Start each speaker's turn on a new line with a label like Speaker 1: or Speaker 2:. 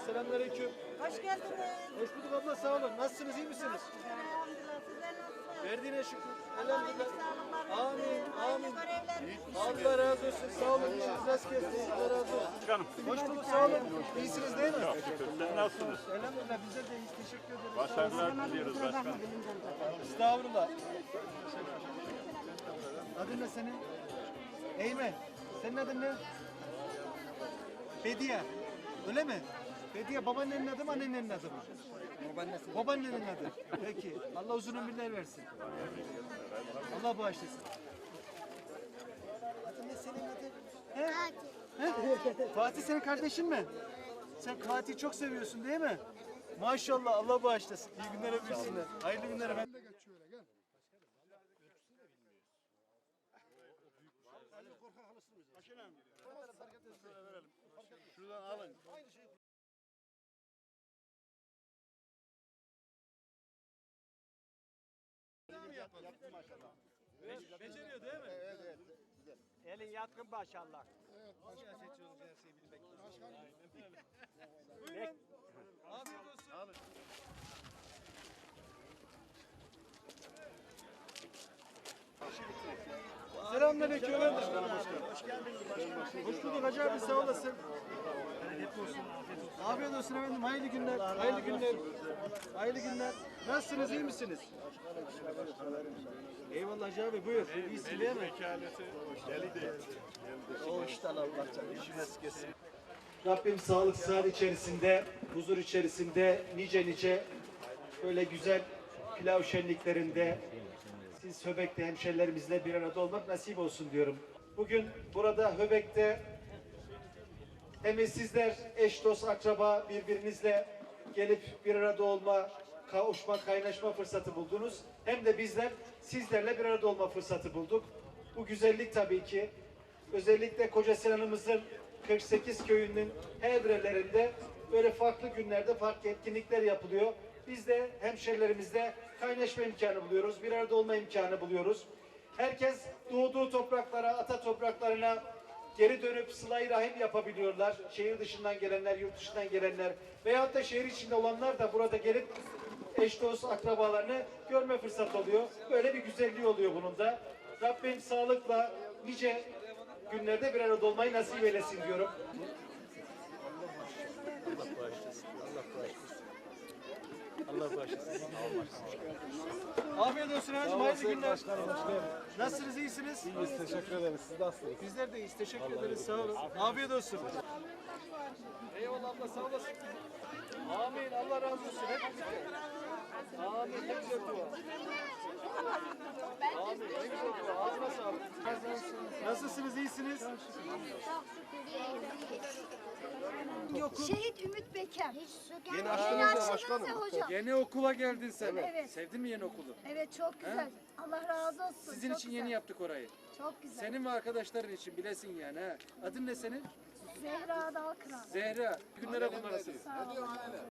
Speaker 1: Selamünaleyküm.
Speaker 2: Hoş geldiniz.
Speaker 1: Hoş bulduk abla, sağ olun. Nasılsınız, iyi misiniz?
Speaker 2: Elhamdülillah, sizler nasılsınız?
Speaker 1: Verdiğine şükür.
Speaker 2: Allah iyilik
Speaker 1: Elhamdülillah.
Speaker 2: sağlıklar
Speaker 1: Amin,
Speaker 2: versin. Hayırlı
Speaker 1: amin.
Speaker 2: görevler.
Speaker 1: Allah razı olsun. Sağ olun. İşiniz rast gelsin. Allah razı olsun.
Speaker 3: Başkanım.
Speaker 1: Hoş bulduk, sağ olun. İyisiniz değil mi?
Speaker 3: Sizler nasılsınız?
Speaker 1: Elhamdülillah, bizler de iyiyiz. Teşekkür ederiz.
Speaker 3: Başarılar diliyoruz başkanım.
Speaker 1: Estağfurullah. Adın ne senin? Eymen. Senin adın ne? Bediye. Öyle mi? Bediye babaannenin adı mı, annenin adı mı? Babaannesi. Babaannenin adı. Peki. Allah uzun ömürler versin. Allah bağışlasın. Adın ne senin adın? He? He? Fatih senin kardeşin mi? Sen Fatih'i çok seviyorsun değil mi? Maşallah, Allah bağışlasın. İyi günler öpürsünler. Hayırlı günler efendim.
Speaker 3: Şuradan alın.
Speaker 1: Beceriyor değil mi? Evet.
Speaker 4: Elin yatkın maşallah.
Speaker 1: Siyasetçi olunca her şeyi bilmek lazım. Buyurun. Afiyet olsun. Selamünaleyküm efendim. Hoş geldiniz. Hoş bulduk Hacı abi, sağ olasın. Afiyet olsun efendim. Hayırlı günler. Hayırlı günler. Hayırlı günler. Nasılsınız? İyi misiniz? Eyvallah Hacı abi, buyur. İyisin değil mi?
Speaker 3: Vekaleti geldi.
Speaker 1: O işte Allah canım. İşiniz kesin. Rabbim sağlık, sıhhat içerisinde, huzur içerisinde nice böyle güzel pilav şenliklerinde siz Höbek'te hemşerilerimizle bir arada olmak nasip olsun diyorum. Bugün burada Höbek'te hem sizler eş dost akraba birbirinizle gelip bir arada olma, kavuşma, kaynaşma fırsatı buldunuz. Hem de bizler sizlerle bir arada olma fırsatı bulduk. Bu güzellik tabii ki özellikle Kocasinan'ımızın 48 köyünün her evrelerinde böyle farklı günlerde farklı etkinlikler yapılıyor. Biz de hemşerilerimizle kaynaşma imkanı buluyoruz, bir arada olma imkanı buluyoruz. Herkes doğduğu topraklara, ata topraklarına geri dönüp sıla-i rahim yapabiliyorlar. Şehir dışından gelenler, yurt dışından gelenler veyahut da şehir içinde olanlar da burada gelip eş dost akrabalarını görme fırsatı oluyor. Böyle bir güzelliği oluyor bunun da. Rabbim sağlıkla nice günlerde bir arada olmayı nasip eylesin diyorum. Allah bağışlasın. Afiyet olsun hacım, hayırlı günler. Nasılsınız, iyisiniz?
Speaker 5: İyiyiz, teşekkür ederiz. Siz nasılsınız?
Speaker 1: Bizler de iyiyiz, teşekkür ederiz, sağ olun. Afiyet olsun. Eyvallah abla, sağ olasın. Amin, Allah razı olsun. Hep birlikte. Amin, ne güzel dua. Amin, ne güzel dua. Ağzına sağlık. Nasılsınız, iyisiniz?
Speaker 6: Şehit Ümit Beker.
Speaker 5: Yeni açtınız ya başkanım.
Speaker 6: Hocam.
Speaker 1: Yeni okula geldin sen.
Speaker 6: Evet.
Speaker 1: Sevdin mi yeni okulu?
Speaker 6: Evet çok güzel. Allah razı olsun.
Speaker 1: Sizin
Speaker 6: çok
Speaker 1: için
Speaker 6: güzel.
Speaker 1: yeni yaptık orayı.
Speaker 6: Çok güzel.
Speaker 1: Senin ve arkadaşların için bilesin yani ha. Adın ne senin?
Speaker 6: Zehra Dalkıran.
Speaker 1: Zehra. Günlere kullanasın.
Speaker 6: Sağ olun.